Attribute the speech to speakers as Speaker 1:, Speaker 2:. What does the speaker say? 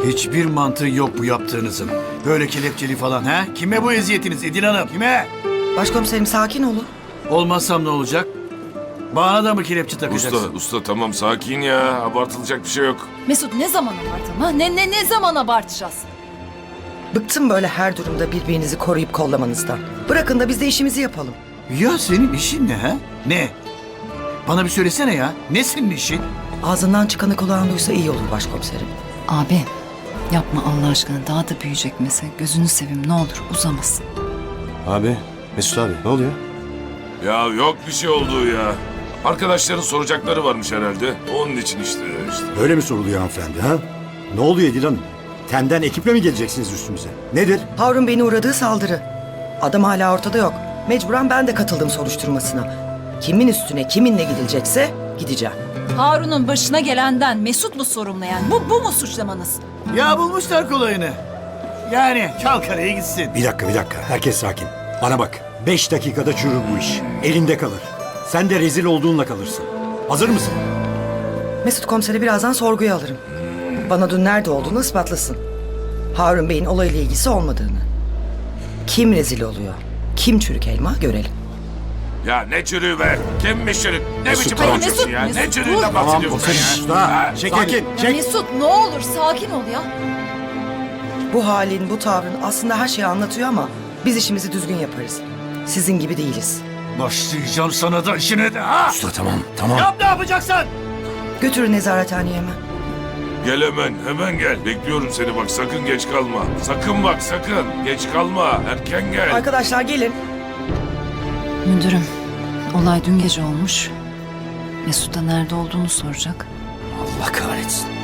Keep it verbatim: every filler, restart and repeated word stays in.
Speaker 1: Hiçbir mantığı yok bu yaptığınızın. Böyle kelepçeli falan ha? Kime bu eziyetiniz Edil Hanım? Kime?
Speaker 2: Başkomiserim sakin olun.
Speaker 1: Olmazsam ne olacak? Bana da mı kelepçe
Speaker 3: Usta,
Speaker 1: takacaksın?
Speaker 3: usta tamam sakin ya. Abartılacak bir şey yok.
Speaker 4: Mesut ne zaman abartalım ha? Ne, ne, ne zaman abartacağız?
Speaker 2: Bıktım böyle her durumda birbirinizi koruyup kollamanızdan. Bırakın da biz de işimizi yapalım.
Speaker 1: Ya senin işin ne ha? Ne? Bana bir söylesene ya. Ne senin işin?
Speaker 2: Ağzından çıkanı kulağın duysa iyi olur başkomiserim.
Speaker 4: Abi yapma Allah aşkına, daha da büyüyecek mesele. Gözünü seveyim ne olur uzamasın.
Speaker 5: Abi, Mesut abi ne oluyor?
Speaker 3: Ya yok bir şey olduğu ya. Arkadaşların soracakları varmış herhalde. Onun için işte işte.
Speaker 6: Böyle mi soruluyor hanımefendi ha? Ne oluyor Edil Hanım? Tenden ekiple mi geleceksiniz üstümüze? Nedir?
Speaker 2: Harun Bey'in uğradığı saldırı. Adam hala ortada yok. Mecburen ben de katıldım soruşturmasına. Kimin üstüne kiminle gidilecekse gideceğim.
Speaker 4: Harun'un başına gelenden Mesut mu sorumlu yani? Bu, bu mu suçlamanız?
Speaker 1: Ya bulmuşlar kolayını. Yani Çalkara'ya gitsin.
Speaker 6: Bir dakika bir dakika. Herkes sakin. Bana bak. Beş dakikada çürür bu iş. Elinde kalır. Sen de rezil olduğunla kalırsın. Hazır mısın?
Speaker 2: Mesut komiseri birazdan sorguya alırım. Bana dün nerede olduğunu ispatlasın. Harun Bey'in olayla ilgisi olmadığını. Kim rezil oluyor? Kim çürük elma görelim.
Speaker 3: Ya ne çürüğü be? Kimmiş çürük? Ne
Speaker 6: Mesut,
Speaker 3: biçim
Speaker 6: tamam.
Speaker 3: konuşuyorsun ya?
Speaker 4: Mesut,
Speaker 3: Ne
Speaker 4: Mesut,
Speaker 3: çürüğünden
Speaker 4: dur.
Speaker 3: bahsediyorsun sen ya?
Speaker 6: Usta.
Speaker 3: Ha?
Speaker 6: Çekil. Sakin.
Speaker 4: Ya
Speaker 6: Çek.
Speaker 4: Mesut ne olur sakin ol ya.
Speaker 2: Bu halin, bu tavrın aslında her şeyi anlatıyor ama biz işimizi düzgün yaparız. Sizin gibi değiliz.
Speaker 1: Başlayacağım sana da işine de ha?
Speaker 6: Usta tamam tamam.
Speaker 1: Yap ne yapacaksın?
Speaker 2: Götürün nezarethaneye hemen.
Speaker 3: Gel hemen, hemen gel. Bekliyorum seni bak, sakın geç kalma. Sakın bak, sakın. Geç kalma, erken gel.
Speaker 2: Arkadaşlar gelin.
Speaker 4: Müdürüm, olay dün gece olmuş. Mesut da nerede olduğunu soracak.
Speaker 6: Allah kahretsin.